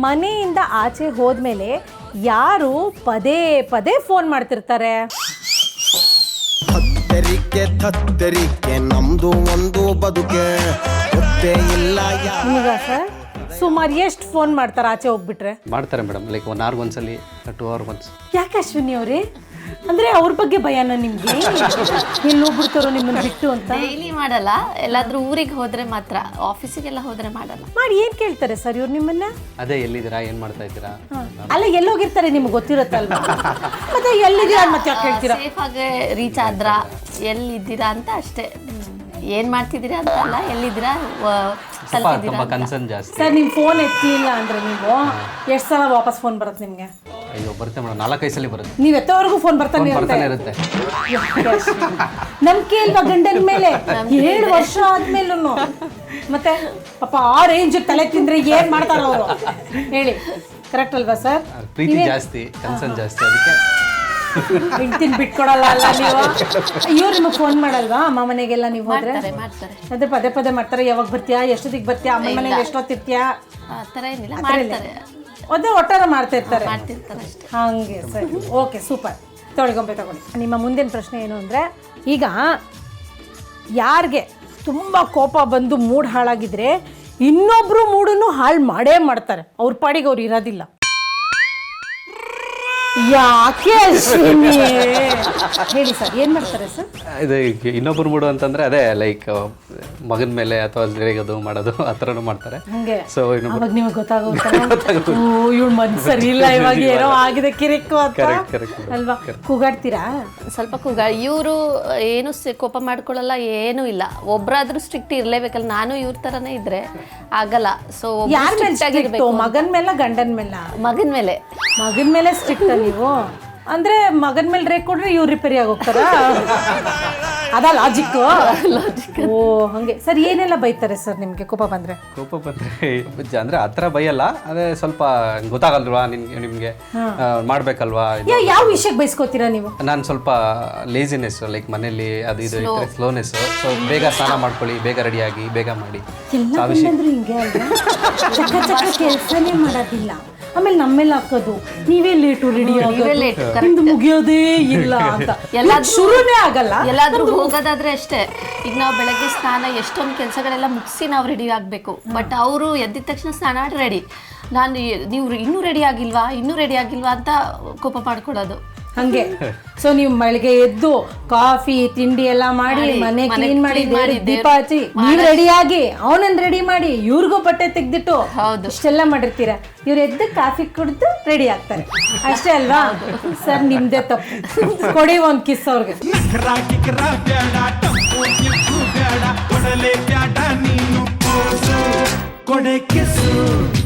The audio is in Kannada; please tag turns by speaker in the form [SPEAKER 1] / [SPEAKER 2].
[SPEAKER 1] ಮನೆಯಿಂದ ಆಚೆ ಹೋದ್ಮೇಲೆ ಯಾರು ಪದೇ ಪದೇ ಫೋನ್ ಮಾಡ್ತಿರ್ತಾರೆ?
[SPEAKER 2] ತತ್ತರಿಕೆ ನಮ್ದು ಒಂದು ಬದುಕೆ ಇಲ್ಲ.
[SPEAKER 1] ನಿಮಗ ಸರ್ ಸುಮಾರು ಎಷ್ಟು ಫೋನ್ ಮಾಡ್ತಾರೆ ಆಚೆ ಹೋಗ್ಬಿಟ್ರೆ?
[SPEAKER 3] ಮಾಡ್ತಾರೆ ಮೇಡಮ್, ಲೈಕ್ 1 hour ಒಂದ್ಸಲಿ 2 hour once.
[SPEAKER 1] ಯಾಕೆ ಅಶ್ವಿನಿ ಅವರೇ, ಅಂದ್ರೆ ಅವ್ರ ಬಗ್ಗೆ ಭಯನ ನಿಮ್ಗೆ? ಎಲ್ಲಿ ಹೋಗ್ಬಿಡ್ತಾರೋ ನಿಮ್ಮನ್ನ ಬಿಟ್ಟು ಅಂತ?
[SPEAKER 4] ಡೈಲಿ ಮಾಡಲ್ಲ, ಎಲ್ಲಾದ್ರೂ ಊರಿಗೆ ಹೋದ್ರೆ ಮಾತ್ರ, ಆಫೀಸಿಗೆಲ್ಲ ಹೋದ್ರೆ ಮಾಡಲ್ಲ.
[SPEAKER 1] ಮಾಡಿ ಏನ್ ಕೇಳ್ತಾರೆ ಸರ್ ಇವ್ರು ನಿಮ್ಮನ್ನ?
[SPEAKER 3] ಅದೇ ಎಲ್ಲಿದ್ದೀರಾ, ಏನ್ ಮಾಡ್ತಾ ಇದ್ದೀರಾ?
[SPEAKER 1] ಅಲ್ಲ ಎಲ್ಲೋಗಿರ್ತಾರೆ ನಿಮ್ಗೆ ಗೊತ್ತಿರುತ್ತಲ್ವಾ? ಮತ್ತೆ ಎಲ್ಲಿದ್ದೀರಾ ಮತ್ತೆ ಯಾಕೆ ಕೇಳ್ತೀರಾ?
[SPEAKER 4] ಸೇಫ್ ಆಗಿ ರೀಚ್ ಆದ್ರ, ಎಲ್ಲಿದ್ದೀರಾ ಅಂತ ಅಷ್ಟೇ. ಏನ್ ಮಾಡ್ತಿದ್ದೀರಾ ಅಂತ ಅಲ್ಲ, ಎಲ್ಲಿದ್ದೀರಾ
[SPEAKER 3] ತುಂಬಾ ಕನ್ಸರ್ನ್ ಜಾಸ್ತಿ.
[SPEAKER 1] ಸರ್ ನಿಮ್ ಫೋನ್ ಎತ್ತಲಿಲ್ಲ ಅಂದ್ರೆ ನೀವು ಎಷ್ಟು ಸಲ ವಾಪಸ್ ಫೋನ್ ಬರುತ್ತೆ ನಿಮ್ಗೆ?
[SPEAKER 3] ಅಯ್ಯೋ ಬರುತ್ತೆ ಮೇಡಮ್, 4-5 ಸಲ ಬರುತ್ತೆ.
[SPEAKER 1] ನೀವ್ ಎತ್ತೋವರೆಗೂ ಫೋನ್ ಬರ್ತಾನೆ
[SPEAKER 3] ಇರುತ್ತೆ.
[SPEAKER 1] ನಂಬಿಕೆ ಇಲ್ವಾ ಗಂಡನ ಮೇಲೆ? 7 ವರ್ಷ ಆದ್ಮೇಲೂ ಮತ್ತೆ ಪಾಪ ಆ ರೇಂಜ್ ತಲೆ ತಿಂದ್ರೆ ಏನ್ ಮಾಡ್ತಾರ ಅವರು ಹೇಳಿ? ಕರೆಕ್ಟ್ ಅಲ್ವಾ ಸರ್?
[SPEAKER 3] ಪ್ರೀತಿ ಜಾಸ್ತಿ, ಕನ್ಸರ್ನ್ ಜಾಸ್ತಿ, ಅದಕ್ಕೆ
[SPEAKER 1] ಹೆಂಡ್ತಿನ ಬಿಟ್ಕೊಡಲ್ಲ ಅಲ್ಲ ನೀವು? ಇವ್ರು ನಿಮಗೆ ಫೋನ್ ಮಾಡಲ್ವಾ ಅಮ್ಮ ಮನೆಗೆಲ್ಲ ನೀವು ಹೋದ್ರೆ?
[SPEAKER 4] ಮಾಡ್ತಾರೆ.
[SPEAKER 1] ಅದೇ ಪದೇ ಪದೇ ಮಾಡ್ತಾರೆ. ಯಾವಾಗ ಬರ್ತೀಯಾ, ಎಷ್ಟೊತ್ತಿಗೆ ಬರ್ತೀಯಾ, ಅಮ್ಮ ಮನೇಲಿ ಎಷ್ಟೊತ್ತಿರ್ತೀಯಾ?
[SPEAKER 4] ಆ ಥರ ಏನಿಲ್ಲ, ಮಾಡ್ತಾರೆ.
[SPEAKER 1] ಅದೇ ಒಟ್ಟಾರ ಮಾಡ್ತಾ ಇರ್ತಾರೆ
[SPEAKER 4] ಅಷ್ಟೇ.
[SPEAKER 1] ಹಂಗೆ ಸರಿ, ಓಕೆ ಸೂಪರ್. ತೊಳ್ಗೊಂಬೆ ತಗೊಳ್ಳಿ. ನಿಮ್ಮ ಮುಂದಿನ ಪ್ರಶ್ನೆ ಏನು ಅಂದರೆ, ಈಗ ಯಾರಿಗೆ ತುಂಬ ಕೋಪ ಬಂದು ಮೂಡ್ ಹಾಳಾಗಿದ್ರೆ ಇನ್ನೊಬ್ರು ಮೂಡನ್ನು ಹಾಳು ಮಾಡೇ ಮಾಡ್ತಾರೆ. ಅವ್ರ ಪಾಡಿಗೆ ಅವ್ರು ಇರೋದಿಲ್ಲ. ಯಾಕೆ ಅಶ್ವಿನಿ? ಹೇಳಿ ಸರ್, ಏನ್ ಮಾಡ್ತಾರೆ ಸರ್?
[SPEAKER 3] ಇದು ಇನ್ನೊಬ್ರು ಮೂಡು ಅಂತಂದ್ರೆ ಅದೇ ಲೈಕ್ ಮಗನ ಮೇಲೆ ಅಥವಾ ರೇಗೋದು ಮಾಡೋದು ಆ ಥರನೂ ಮಾಡ್ತಾರೆ.
[SPEAKER 1] ಹಂಗೆ
[SPEAKER 3] ಸೊ
[SPEAKER 1] ಅವಾಗ ನಿಮಗೆ ಗೊತ್ತಾಗುತ್ತೆ, ಇವಳು ಮನ್ಸು ಸರಿ ಇಲ್ಲ, ಇವಾಗ ಏನೋ ಆಗಿದೆ ಕಿರಿಕು ಅಂತ ಅಲ್ವಾ? ಕೂಗಾಡ್ತೀರಾ?
[SPEAKER 4] ಸ್ವಲ್ಪ ಇವರು ಏನು ಕೋಪ ಮಾಡ್ಕೊಳ್ಳಲ್ಲ, ಏನೂ ಇಲ್ಲ. ಒಬ್ರಾದ್ರೂ ಸ್ಟ್ರಿಕ್ಟ್ ಇರ್ಲೇಬೇಕಲ್ಲ. ನಾನು ಇವ್ರ ತರನೇ ಇದ್ರೆ ಆಗಲ್ಲ. ಸೊ
[SPEAKER 1] ಯಾರ ಮೇಲೆ ಸ್ಟ್ರಿಕ್ಟ್? ಮಗನ ಮೇಲೆ ಗಂಡನ ಮೇಲೆ?
[SPEAKER 4] ಮಗನ ಮೇಲೆ.
[SPEAKER 1] ಮಗನ ಮೇಲೆ ಸ್ಟ್ರಿಕ್ಟ್ ನೀವು ಅಂದ್ರೆ ಮಗನ ಮೇಲೆ ರೇಕ್ ಕೊಡ್ರೆ ಇವ್ರು ರಿಪೇರಿ ಆಗೋಗ್ತಾರ? ಅದ ಲಾಜಿಕ್? ಓ ಹಂಗೆ. ಸರ್ ಏನೆಲ್ಲ ಬೈತಾರೆ ಸರ್ ನಿಮ್ಗೆ ಕೋಪ ಬಂದ್ರೆ?
[SPEAKER 3] ಕೋಪ ಬಂದ್ರೆ ಅಂದ್ರೆ ಆ ಥರ ಬೈಯಲ್ಲ, ಅದೇ ಸ್ವಲ್ಪ ಗೊತ್ತಾಗಲ್ವಾ ನಿಮ್ಗೆ ಮಾಡ್ಬೇಕಲ್ವಾ?
[SPEAKER 1] ಯಾವ ವಿಷಯಕ್ಕೆ ಬೈಸ್ಕೋತೀರಾ ನೀವು?
[SPEAKER 3] ನಾನು ಸ್ವಲ್ಪ ಲೇಜಿನೆಸ್, ಲೈಕ್ ಮನೇಲಿ ಅದು ಇದು ಸ್ಲೋನೆಸ್. ಸೊ ಬೇಗ ಸ್ನಾನ ಮಾಡ್ಕೊಳ್ಳಿ, ಬೇಗ ರೆಡಿಯಾಗಿ, ಬೇಗ ಮಾಡಿ.
[SPEAKER 1] ಎಲ್ಲ ಹಿಂಗೆ ಅಲ್ವಾ? ಚಕ್ಕ ಚಕ್ಕ ಕೆಲಸನೇ ಮಾಡೋದಿಲ್ಲ, ಆಮೇಲೆ ನಮ್ಮೇಲೆ ಹಾಕೋದು ನೀವೇ ಲೇಟು ರೆಡಿ ಆಗೋದು, ಮುಗಿಯೋದೇ ಇಲ್ಲ ಅಂತ ಶುರುನೇ ಆಗಲ್ಲ.
[SPEAKER 4] ಎಲ್ಲಾದ್ರೂ ಹೋಗೋದಾದ್ರೆ ಅಷ್ಟೇ. ಈಗ ನಾವು ಬೆಳಗ್ಗೆ ಸ್ನಾನ ಎಷ್ಟೊಂದು ಕೆಲಸಗಳೆಲ್ಲ ಮುಗಿಸಿ ನಾವು ರೆಡಿ ಆಗಬೇಕು. ಬಟ್ ಅವರು ಎದ್ದಿದ ತಕ್ಷಣ ಸ್ನಾನ ರೆಡಿ, ನೀವು ಇನ್ನೂ ರೆಡಿ ಆಗಿಲ್ವಾ ಅಂತ ಕೋಪ ಮಾಡ್ಕೊಳ್ಳೋದು
[SPEAKER 1] ಹಂಗೆ. ಸೊ ನೀವು ಬೆಳಗ್ಗೆ ಎದ್ದು ಕಾಫಿ ತಿಂಡಿ ಎಲ್ಲ ಮಾಡಿ, ಮನೆ ಕ್ಲೀನ್ ಮಾಡಿ, ದೀಪ ಹಚ್ಚಿ, ನೀವು ರೆಡಿಯಾಗಿ ಅವನನ್ನ ರೆಡಿ ಮಾಡಿ, ಇವ್ರಿಗೂ ಬಟ್ಟೆ ತೆಗ್ದಿಟ್ಟು ಇಷ್ಟೆಲ್ಲ ಮಾಡಿರ್ತೀರ. ಇವ್ರು ಎದ್ದು ಕಾಫಿ ಕುಡಿದು ರೆಡಿ ಆಗ್ತಾರೆ ಅಷ್ಟೇ ಅಲ್ವಾ? ಸರ್ ನಿಮ್ದೇ ತಪ್ಪು. ಕೊಡಿ ಒಂದು ಕಿಸ್ ಅವ್ರಿಗೆ.
[SPEAKER 2] ಕೊಡೆ ಕಿಸ್